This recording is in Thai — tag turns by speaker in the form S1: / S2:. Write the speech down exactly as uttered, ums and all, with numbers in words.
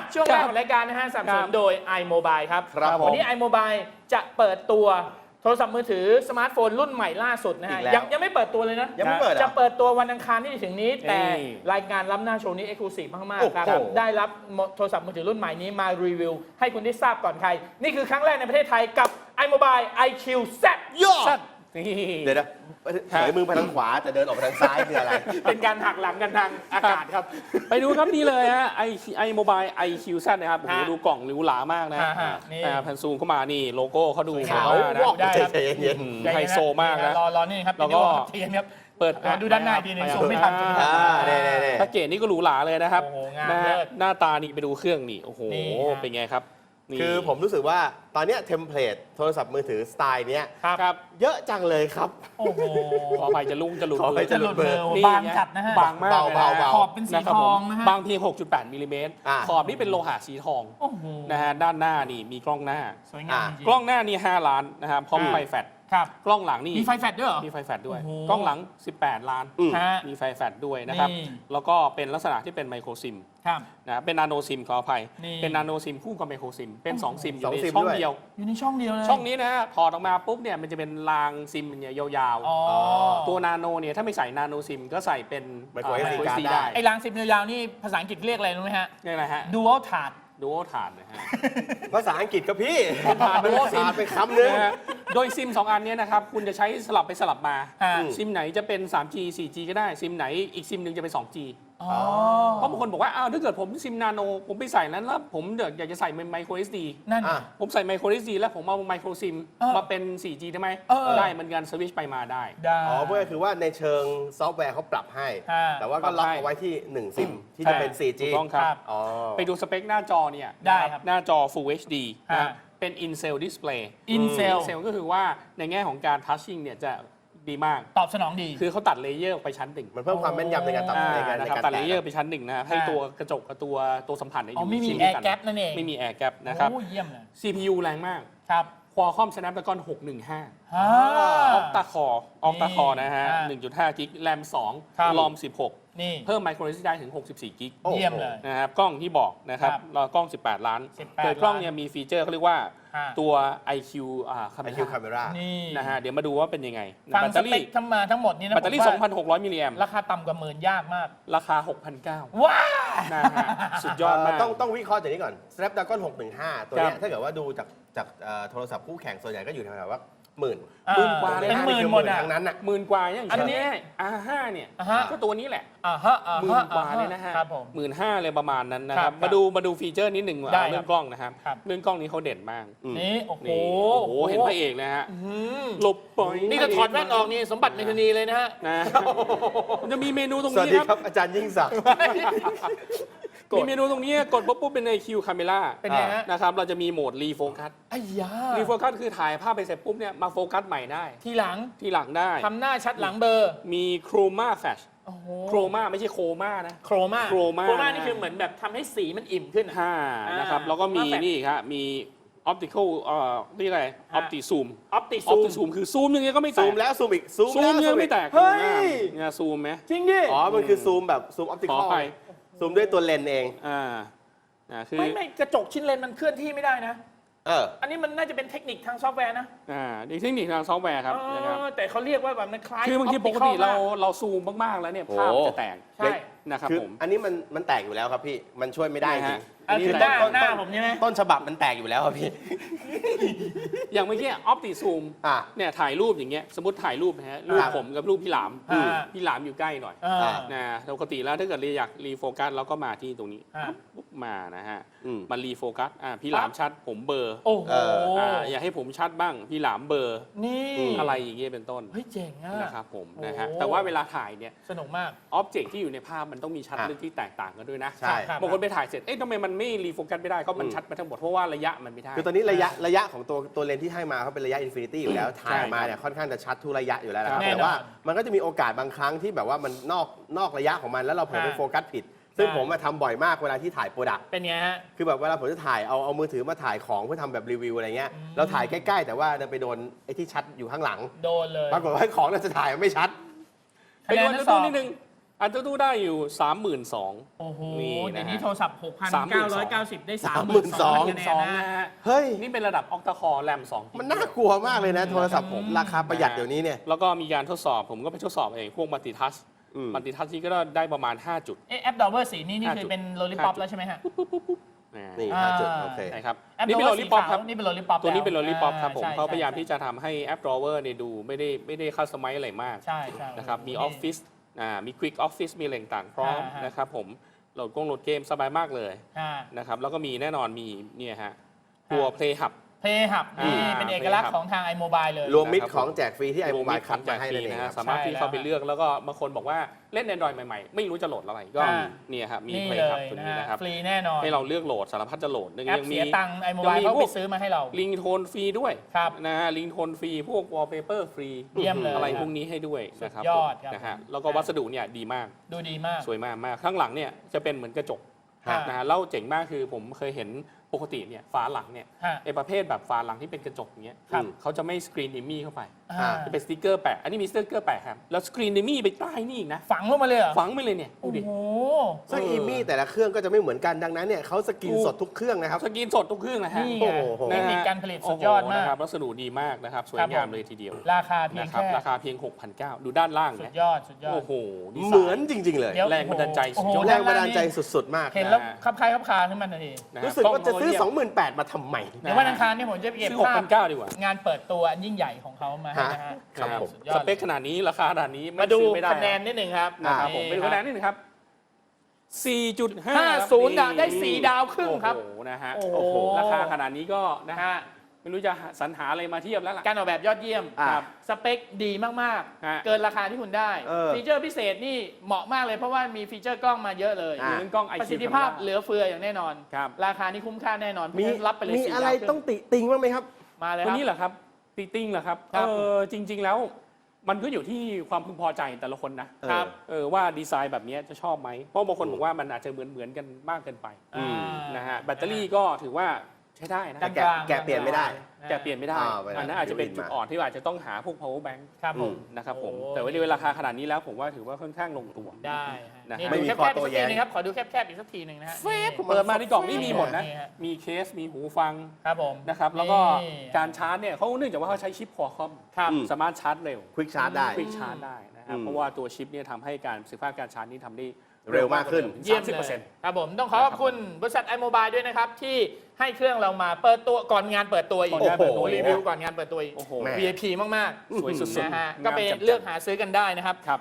S1: ช่วงแรกของรายการนะฮะสนับสนุนโดย iMobile ครับ
S2: ครับผม
S1: วันนี้ iMobile จะเปิดตัวโทรศัพท์มือถือสมาร์ทโฟนรุ่นใหม่ล่าสุดนะฮะ
S2: อีกแล้ว
S1: ยังยังไม่เปิดตัวเลยนะ
S2: ยังไม่เปิด
S1: จะเปิดตัววันอังคารที่จะถึงนี้ แต่
S3: นี่
S1: รายการล้ำหน้าโชว์นี้ Exclusive มากๆครับ
S2: โอ้โห
S1: ได้รับโทรศัพท์มือถือรุ่นใหม่นี้มารีวิวให้คุณได้ทราบก่อนใคร นี่คือครั้งแรกในประเทศไทยกับ iMobile ไอ คิว แซด
S2: ย่อ
S3: สั้นนี่
S2: เดี๋ยวนะถอยมือไปทางขวาแต่เดินออกไปทางซ้ายคืออะไร
S1: เป็นการหักหลังกันทางอากาศครับ
S3: ไปดูครับนี่เลยฮะไอไอโมบายไอคิวสั้นนะครับโอ้โห
S1: ฮะ
S3: ดูกล่องหรูหรามากนะ
S1: ฮะฮะนี่
S3: อ่าแผ่นซูมเข้ามานี่โลโก้เขาดู
S1: ขาว
S3: แบบว่านะ
S1: วอกได้ครับ
S2: ใจเย็น
S3: อืมไฮโซมากนะ
S1: รอรอนี่ครับ
S3: แล้วก็
S1: เทียนครับ
S3: เปิด
S1: อ่าดูด้านหน้าทีนึงซูมไม่ทันซูมไม่ทัน
S2: อ่าเนี่ยเนี่ยเนี่ย
S3: แพ็กเกจนี่ก็หรูหราเลยนะครับ
S1: โอ้โหงาม
S3: นะฮะ
S1: เลิศ
S3: หน้าตานี่ไปดูเครื่องนี่โอ้โห
S1: นี่ฮะ
S3: เป็นไงครับนี่
S2: คือผมรู้สึกว่าตอนเนี้ยเทมเพลตโทรศัพท์มือถือสไตล์เนี้ย
S1: ครับ
S3: ครับ
S2: เยอะจังเลยครับ
S1: โอ้โห
S3: ขออภัยจะลุ่งจะหลุด
S2: ขออภัย
S1: จะหลุดเบอร์
S3: นี่
S1: บางจัดนะฮะ
S3: บางมากเลยนะ
S2: เบาๆเบา
S1: ขอบเป็นสี
S3: นะครับ
S1: ท
S3: ผ
S1: อง
S3: ม
S1: นะฮะ
S3: บางเพียง หกจุดแปด มิลลิเมตร
S2: อ่า
S3: ขอบนี่เป็นโลหะสีทอง
S1: โอ้โห
S3: นะฮะด้านหน้านี่มีกล้องหน้า
S1: สวยงามจริง
S3: กล้องหน้านี่ห้าล้านนะครับพร้อม
S1: อ่า
S3: ไฟแฟลช
S1: ครับ
S3: กล้องหลังนี่
S1: มีไฟแฟลชด้วยเหรอ
S3: มีไฟแฟลชด้วย
S1: โอ้โห
S3: กล้องหลัง สิบแปด ล้าน
S2: อืม
S1: ฮะ
S3: มีไฟแฟลชด้วยนะครับ
S1: นี่
S3: แล้วก็เป็นลักษณะที่เป็นไมโครซิม
S1: ครับ
S3: นะเป็นนาโนซิมขออภัย
S1: นี่
S3: เป็นนาโนซิมคู่กับไมโครซิม เป็น สอง ซิมอ
S2: สอยู่ ง
S3: ใน
S2: ซิม
S3: ช่อง
S2: ด้วย
S3: เดียว
S1: อยู่ในช่องเดียวเลย
S3: ช่องนี้นะฮะถอดออกมาปุ๊บเนี่ยมันจะเป็นรางซิมเนี่ยยาว
S1: อ๋อ
S3: ๆ ตัวนาโนเนี่ยถ้าไม่ใส่นาโนซิมก็ใส่เป็น
S2: Micro
S3: อ่า
S2: เอสดี
S3: Micro เอสดี
S2: ได้
S3: ได้
S1: ไอ้รางสิบยาวๆนี่ภาษาอังกฤษเรียกอะไรรู้ไหมฮะ
S3: นี่อะไรฮะ
S1: dual third
S3: ดูโอถาดนะฮะ
S2: ภาษาอังกฤษก็พี่
S3: ผ่านไปแล้ว
S2: ผ่านไปคำนึง
S3: นะฮะโดยซิม สอง อันเนี้นะครับ คุณจะใช้สลับไปสลับมา
S1: ฮะ
S3: ซิมไหนจะเป็น สามจี สี่จี ก็ได้ ซิมไหนอีกซิมหนึ่งจะเป็น สองจี
S1: อ๋อ
S3: เพราะบางคนบอกว่า อ้าว ถ้าเกิดผมซิมนาโน ผมไปใส่นั้นแล้วผมเดี๋ยวอยากจะใส่ไมโคร เอส ดี
S1: นั่น
S2: อ่ะ
S3: ผมใส่ไมโคร เอส ดี แล้วผมเอาไมโครซิม
S1: เออ
S3: มาเป็น สี่จี ได้ไหม
S1: เออ
S3: ได้เหมือนกันสวิตช์ไปมาได้
S1: ได้
S2: อ๋อเพื่อคือว่าในเชิงซอฟต์แวร์เขาปรับให้
S1: ฮะ
S2: แต่ว่าก็ล็อกเอาไว้ที่หนึ่งซิมที่จะเป็น โฟร์ จี
S3: ถูกต้องครับ
S1: ครับ
S2: อ๋อ
S3: ไปดูสเปคหน้าจอเนี่ย
S1: ได้ครับ
S3: หน้าจอ Full เอช ดี
S1: ฮะ
S3: นะครับเป็น In-Cell Display
S1: In-Cell
S3: In-Cell ก็คือว่าในแง่ของการ Touching เนี่ยจะดีมาก
S1: ตอบสนองดี
S3: คือเขาตัดเลเยอร์ออกไปชั้นหนึ่ง
S2: มันเพิ่มความแม่นยำในการตัด
S3: อ่า
S2: ในการใน
S3: นะครับ
S2: การ
S3: ตัดเล
S2: แตะ
S3: เยอร์ไปชั้นหนึ่งนะครับให้
S1: ฮะ
S3: ตัวกระจกกับตัวตัวสัมผัสเนี่ยอ
S1: อ๋อยู่ ไม่มี
S3: ชิ้น
S1: แอ
S3: เดียว
S1: ร์
S3: กัน
S1: แกปนั่นเอง
S3: ไม่มีแอร์แกปนะครับ
S1: โอ้เยี่ยมเลย
S3: ซี พี ยู แรงมาก
S1: ครับ
S3: Qualcomm Snapdragon หกหนึ่งห้า
S1: ฮ่า
S3: ออกตาคอออกตาคอนะฮะ
S1: อ่า
S3: หนึ่งจุดห้า กิกแรมสอง
S1: ครับ
S3: รอมสิบหก
S1: นี่
S3: เพิ่มไมโคร เอส ดี ได้ถึงหกสิบสี่ กิก
S2: โอ้โห
S1: เยี่ยมเลย
S3: นะครับกล้องที่บอกนะครับ
S1: ครับ
S3: แล้วกล้อง สิบแปด ล้าน
S1: สิบแปด
S3: โดยกล้อง
S1: ล้าน
S3: เนี่ยมีฟีเจอร์เขาเรียกว่า
S1: ฮะ
S3: ตัว ไอ คิว อ่า
S2: ไอคิวคา
S3: camera
S2: เมรา
S1: นี่
S3: นะฮะเดี๋ยวมาดูว่าเป็นยังไง
S1: ฟัง
S3: แบต
S1: ส
S3: เตอ
S1: เป
S3: รี่
S1: คทั้งมาทั้งหมดนี้นะ
S3: แบตเตอรี่
S1: ผมว่า
S3: สองพันหกร้อย มิลลิแอมป์
S1: ราคาต่ำกว่าหมื่นยากมาก
S3: ราคา หกพันเก้าร้อย
S1: ว้า
S3: นะฮะสุดยอดมาก
S2: ต้องต้องวิเคราะห์จากนี้ก่อน Snapdragon หกหนึ่งห้า ตัวเนี้
S3: ครั
S2: ย
S3: บ
S2: ถ้าเกิดว่าดูจากจากเอ่อโทรศัพท์คู่แข่งส่วนใหญ่ก็อยู่แถวๆว่าหมื่น
S1: อ่
S3: หมื่นกว่าเลย
S1: เป็น
S3: นะ
S1: หมื่นหมดอ่ะ
S2: ทั้งนั้นอ่ะ
S3: หมื่นกว่าอย่าง
S1: อัน
S3: เช่น
S1: นี้
S3: อาร์ห้าเนี่ย
S1: อ่าฮะ
S3: ก็ตัวนี้แหละ
S1: อ่าฮะอ่า
S3: หมื่
S1: ฮะ
S3: นกว่าเลยนะฮะ
S1: ครับผม
S3: หมื่นห้าเลยประมาณนั้นนะค
S1: ครั
S3: รั
S1: บบ
S3: มาดูมาดูฟีเจอร์นิดหนึ่ง
S1: ได้
S3: เรื่องกล้องนะครับ
S1: ครับ
S3: เรื่องกล้องนี้เขาเด่นมาก
S2: อืม
S1: นี่โอ้โห
S3: นี่โอ้โหเห็นพระเอกนะฮะ
S1: อืม
S3: หลบปล่อย
S1: นี่ถ้าถอดแว่นออกนี่สมบัติในคดีเลยนะฮะ
S3: นะมันจะมีเมนูตรง
S2: สวัส
S3: นี้
S2: ดี
S3: ค
S2: ครับ รับอาจารย์ยิ่งศักดิ์ กด
S3: มีเมนูตรงนี้กดปุ๊บปุ๊บเป็น ไอ คิว Camera
S1: เป็นไงฮะ
S3: นะครับเราจะมีโหมดรีโฟกัส
S1: ไอ้ยา
S3: รีโฟกัสคือถ่ายภาพไปเสร็จปุ๊บเนี่ยมาโฟกัสใหม่ได้
S1: ทีหลัง
S3: ทีหลังได้
S1: ทำหน้าชัดหลังเบอร์
S3: มีโครมาแฟช
S1: โอ้โห
S3: โครมาไม่ใช่โคมานะ
S1: โครมา
S3: โครมา
S1: โครมานี่คือเหมือนแบบทำให้สีมันอิ่มขึ้นอะ
S3: ห้า
S1: อ่าน
S3: นะครับแล้วก็มี
S1: Chroma Flash
S3: นี่ครับมี optical เอ่อเรียกอะไร
S1: ฮะ
S3: opti zoom
S1: ออปติ
S3: ออ
S1: ซู
S3: ป
S1: ม
S3: ติซูมคือซูมยังไงก็ไม่แต
S2: ซู
S3: ก
S2: มแล้วซูมอีกซูม
S3: ซู
S2: แล้ว
S3: มยังไม่แตก
S2: เฮ้ย
S3: เนี่ยซูมไหม
S1: จริงดิ
S2: อ๋อ มันคือซูมแบบซูมออปติ
S3: ข
S2: ค
S3: อ
S2: อล
S3: ไป
S2: ซูมด้วยตัวเลนส์เอง
S3: อ่าอ่าคือ
S1: ไม่ไม่กระจกชิ้นเลนมันเคลื่อนที่ไม่ได้นะ
S2: เออ
S1: อันนี้มันน่าจะเป็นเทคนิคทางซอฟต์แวร์นะ
S3: อ่านี่เทคนิคทางซอฟต์แวร์ครับ
S1: เออ
S3: นะครับ
S1: แต่เขาเรียกว่าแบบมันคล้าย
S3: คือบางที
S1: optical
S3: ปกติเรา
S1: ม
S3: เราซูมมากๆแล้วเนี่ย
S2: โอ้
S3: ภาพจะแตก
S1: ใช่
S3: นะครับ
S2: คือ
S3: ผม
S2: อันนี้มันมันแตกอยู่แล้วครับพี่ มันช่วยไม่ได้จริง
S1: อันคือหน้าหน้าผมใช่ไหม
S2: ต้นฉบับมันแตกอยู่แล้วครับพี่
S3: อย่างเมื่อกี้ออปติซูม
S2: อ่ะ
S3: เนี่ยถ่ายรูปอย่างเงี้ยสมมติถ่ายรูปนะฮะรูป
S2: ครับ
S3: ผมกับรูปพี่หลาม
S1: อ่า
S3: พี่หลามอยู่ใกล้หน่อย
S1: อ่า
S3: นะปกติแล้วถ้าเกิดเราอยากรีโฟกัสเราก็มาที่ตรงนี้
S1: อ่า
S3: ปุ๊บมานะฮะ
S2: อืม
S3: มันรีโฟกัสอ่าพี่หลามชัดผมเบลอร์
S1: โอ้โห
S2: เออ
S3: อ่าอยากให้ผมชัดบ้างพี่หลามเบลอร์
S1: นี่
S3: อะไรอย่างเงี้ยเป็นต้น
S1: เฮ้ยเจ๋งอ่ะ
S3: นะครับผม
S1: โอ้
S3: นะฮะแต่ว่าเวลาถ่ายเนี่ย
S1: สนุกมาก
S3: อ็อบเจกต์ที่อยู่ในภาพมันต้องมีชัด
S2: อ่ะ
S3: ลึกที่แตกต่างกันด้วยนะ
S2: ใช่
S1: ครับ
S3: บางคนไปถ่ายเสร็จเอ๊ะทำไมมันไม่รีโฟกัสไม่ได้ก็มัน
S2: อืม
S3: ชัดไปทั้งหมดเพราะว่าระยะมันไม่ได้
S2: คือตอนนี้ระยะระยะของตัวตัวเลนส์ที่ให้มาเขาเป็นระยะอินฟินิตี้อยู่แล้ว ถ่ายมาเนี่ยค่อนข้างจะชัดทุกระยะอยู่แล้วนะครับ
S1: แน่นอน
S2: แต่ว่ามันก็จะมีโอกาสบางครั้งที่แบบว่ามันนอกนอกระยะของมันแล้วเราเผลอไป
S1: อ่า
S2: โฟกัสผิด ซึ่ง
S1: ใช่
S2: ผมมาทำบ่อยมากเวลาที่ถ่ายโปรดักต์
S1: เป็นไงฮะ
S2: คือแบบเวลาผมจะถ่ายเอาเอามือถือมาถ่ายของเพื่อทำแบบรีวิวอะไรเงี้ย
S1: อืม
S2: เราถ่ายใกล้ๆ แต่ว่าดันไปโดนไอ้ที่ชัดอยู่ข้างหลัง
S1: โดนเลย
S2: ปรากฏว่าของเราจะถ่ายไม่ชัด
S3: ไปดู
S1: คะแนน
S3: ดู
S1: สอบ
S3: นิดนึงอันตู้ได้อยู่ สามหมื่นสองพัน
S1: โอ้โห
S3: นี่นะฮะ
S1: เดี๋ยวนี้โทรศัพท์ หกพัน
S3: สามหมื่
S1: เก้าน
S3: ส
S1: ร้
S3: อ
S1: อย
S3: ง
S1: เก้าสิบ ได้
S2: สามหมื่นสอง
S1: คะแนน
S3: สอง
S1: นะ
S3: นะฮะ
S2: เฮ้ย
S3: นี่เป็นระดับออกตาคอแรมสอง
S2: มันน่ากลัวมากเลยนะ โทรศัพท์ผมราคาประหยัดเดี๋ยวนี้เนี่ย
S3: แล้วก็มีการทดสอบผมก็ไปทดสอบเอง พวกมัลติทัช
S2: อืม
S3: มัลติทัชนี่ก็ได้ประมาณ ห้า จุด
S1: เอ๊ะแอปดอเวอร์สีนี่นี่
S3: ห้า
S1: คือ
S3: จุด
S1: เป็นโลลิป p อป
S3: ห้าจุด
S1: แล้วใช่ไหมฮะ
S2: นี่
S1: อ่า
S2: ห้าจุดโอเค
S3: นะครับ
S1: แอป
S3: นี่
S1: ดอ
S3: เป็น
S1: เว
S3: โล
S1: อร์
S3: ลิ
S1: สี
S3: ปอป
S1: ขา
S3: ครับ
S1: วนี่เป็นโลลิป p อป
S3: ตัวนี้เป็นโลลิปอปครับผม
S1: ใช่
S3: เขาพยายาม
S1: ใช่
S3: ที่จะทำให้แอปดรอเวอร์เนี่ยดูไม่ได้ไม่ได้คัสตอมไมซ์อะไรมาก
S1: ใช่ใช่
S3: นะครับมีออฟฟิศอ่ามีควิกออฟฟิศมีอะไรต่างๆพร้อม
S1: อ่าฮะ
S3: นะครับผมโหลดกงโหลดเกมสบายมากเลย
S1: อ่า
S3: นะครับแล้วก็มีแน่นอนมีเนี่ยฮะตัว Play Hub
S1: เพย์หับนี่
S3: อ่า
S1: เป็นเอกลักษณ์ของทาง iMobile เลย
S2: รวมมิตรของแจกฟรีที่ไอโมบาย
S3: รว
S2: คัด
S3: มิตร
S2: มาให้นั่นเอง
S3: นะฮะ
S2: ครับ
S3: สามารถที่เข้าไป
S1: ใช่แล้ว
S3: เลือกแล้วก็บางคนบอกว่าเล่น Android ใหม่ๆ ไม่รู้จะโหลดอะไรก็
S1: อ่า
S3: เนี่ยครับมี
S1: นี่
S3: Play
S1: เล
S3: Hub
S1: ย
S3: ตัว
S1: นะ
S3: นี้
S1: ฮะ
S3: นะครับ
S1: ฟรีแน่นอน
S3: ให้เราเลือกโหลดสารพัดจะโหลด
S1: แอป
S3: ยัง
S1: เสี
S3: มี
S1: ยตังค์ iMobile เขาไปซื้อมาให้เรา
S3: ลิงโทนฟรีด้วย
S1: ครับ
S3: นะฮะลิงโทนฟรีพวก wallpaper ฟรี
S1: เยี่ยมเลย
S3: อะไรพวกนี้ให้ด้วยนะครับ
S1: สุดยอดครับ
S3: นะฮะแล้วก็วัสดุเนี่ยดีมาก
S1: ดูดีมาก
S3: สวยมากมากข้างหลังเนี่ยจะเป็นเหมือนกระจก
S1: ฮะ
S3: นะฮะแล้วเจ๋งมากคือผมเคยเห็นปกติเนี่ยฝาหลังเนี่ย
S1: ฮะ
S3: ไอประเภทแบบฝาหลังที่เป็นกระจกอย่างเงี้ย
S2: ครับ
S3: เขาจะไม่สกรีนอิมมี่เข้าไป
S1: อ่า
S3: จะเป็นสติกเกอร์แปะ อันนี้มีสติกเกอร์แปะครับ แล้วสกรีนอิมมี่ไปใต้นี่อีกนะ
S1: ฝังลงมาเลยเหรอ
S3: ฝังไปเลยเนี่ยดู
S1: โอ้
S3: ดิ
S1: โห
S2: ซึ่ง
S3: เออ
S2: อีมี่แต่ละเครื่องก็จะไม่เหมือนกันดังนั้นเนี่ยเขาสกรีนสดทุกเครื่องนะครับ
S3: สกรีนสดทุกเครื่องนะฮะ
S1: นี่
S2: โอ้
S1: ไง
S2: โห
S1: เทคนิคการผลิตสุดยอดมาก
S3: โโหนะครับวัสดุดีมากนะครับ สวย
S1: ครับ
S3: งาม
S1: ผม
S3: เลยทีเดียว
S1: ราคาเพียง
S3: นะครับ
S1: แค่
S3: ราคาเพียง หกพันเก้าร้อย ดูด้านล่าง
S1: สุด
S3: นะ
S1: ยอดสุดยอด
S3: โอ้โหดีไซ
S2: เหมือนจริง ๆ เลย
S1: เดี๋ยว
S3: แรงบันดาลใจสุดยอด
S1: โอ้โห
S2: แรงบันดาลใจสุด ๆ มาก
S1: เห็นแล้วคับคล้ายคับคาขึ้นมาทันที
S3: นะฮะ
S2: รู้สึกว่าจะซื้อ
S3: กล้ง
S2: สองหมื่นแปดพัน มาทำไม
S1: เดี๋ยววันอังคารนี่ผมจะเก็บ
S3: ซื้อหก
S1: ภา
S3: พั
S1: พ
S3: นเก้าร้อยดีกว่า
S1: งานเปิดตัวอันยิ่งใหญ่ของเขามาให้นะฮะ
S2: ครับผม
S1: สุดยอ
S3: ส
S1: ด
S3: เปคขนาดนี้ราคาขนาดนี้ไ
S1: มาดู
S3: ซื้อไม่ได้
S1: คะแนนนิดหนึ่งครับ
S3: นะครับผมไปดูคะแนนนิดนึงครับ สี่จุดห้า
S1: ห้าศูนย์ได้สี่ดาวครึ่งครับ
S3: โอ้โหนะฮะ
S1: โอ้โห
S3: โอ้โหราคาขนาดนี้ก็นะ
S1: นะ
S3: ฮะ
S1: ฮะ
S3: ไม่รู้จะสรรหาอะไรมาเทียบแล้วล่ะ
S1: การออกแบบยอดเยี่ยม
S2: อ่า
S1: ครับสเปคดีมาก
S3: ฮะ
S1: ๆ เกินราคาที่คุณได้
S2: เออ
S1: ฟีเจอร์พิเศษนี่เหมาะมากเลยเพราะว่ามีฟีเจอร์กล้องมาเยอะเลย
S2: อ่า
S3: เรื่องกล้อง ไอ
S1: ประ
S3: คิ
S1: สิ
S3: ว
S1: ทธิภาพเหลือเฟืออย่างแน่นอน
S3: ครับ
S1: ราคานี่คุ้มค่าแน่นอน
S2: มี
S1: เพราะฉะนั้นรับไปเลย
S2: มี
S1: สี่
S2: อะไร
S1: ดาวครึ่
S2: ต้องติติงบ้างไหมครับ
S1: มาเลย
S3: ตัว
S1: ครับ
S3: นี้เหรอครับตีติ้งเหรอครับ
S1: ครับ
S3: เออจริง ๆ แล้วมันก็อยู่ที่ความพึงพอใจแต่ละคนนะครับ เออว่าดีไซน์แบบนี้จะชอบไหมเพราะบางคนบอกว่ามันอาจจะเหมือนเหมือนๆกันมากเกินไป
S2: อืม
S1: อ่า
S3: นะฮะแบตเตอรี่ก็ถือว่าใช้ได้นะ
S2: แต่แกะ
S1: กลางๆ
S2: แกะเปลี่ยนไม่ได้
S3: แกะเปลี่ยนไม่ได้
S2: อ่าเวลา
S3: อันนั้นอาจจะเป็น
S2: อยู่
S3: จุด
S2: มา
S3: อ่อนที่อาจจะต้องหาพวก power bank
S1: ครับผม
S3: นะครับผม
S1: โอ้
S3: แต่ว่าในราคาขนาดนี้แล้วผมว่าถือว่าค่อนข้างลงตัว
S1: ได้ฮะ
S3: นะฮะ
S1: นี่
S2: ไม่
S1: ดู
S2: มี
S1: แคบ
S2: ข้อ
S1: ๆ
S2: โต้
S1: อีกสัก
S2: แย้
S1: ที
S2: ง
S1: นึงครับขอดูแคบๆอีกสักทีหนึ่งนะฮะ
S2: เฟซ
S3: เปิดมาในกล่องนี่มีหมดนะ
S1: นี่ฮะ
S3: มีเคสมีหูฟัง
S1: ครับผม
S3: นะครับแล้วก็
S1: นี่
S3: การชาร์จเนี่ยเขาเนื่องจากว่าเขาใช้ชิปคอคอม
S1: ครับ
S2: อืม
S3: สามารถชาร์จเร็ว
S2: ควิกชาร์จได้
S3: ควิกชาร์จได้นะครับ
S2: อืม
S3: เพราะว่าตัวชิปเนี่ยทำให้การประสิทธิภาพการชาร์จนี่ทำได้
S2: เร็วมากขึ้น
S1: เยี่ยม
S3: สามสิบ
S1: เล
S3: เปอร์เซ็น
S1: ย
S3: ต์
S1: ครับผมต้องขอขอบคุณบริษัท iMobile ด้วยนะครับ ที่ให้เครื่องเรามาเปิดตัวก่อนงานเปิดตัวอีก
S3: ก่อนงานเปิดตัว
S1: รีวิวก่อนงานเปิดตัวอีก
S3: โอ้โห
S2: แม่
S1: วี ไอ พี มาก
S2: อื้อหือ
S1: ๆ
S3: สวยสุด
S1: นะฮะ
S3: ๆ
S1: ก็ไป
S3: งามจัด
S1: เลือกหาซื้อกันได้นะครับ
S3: ครับ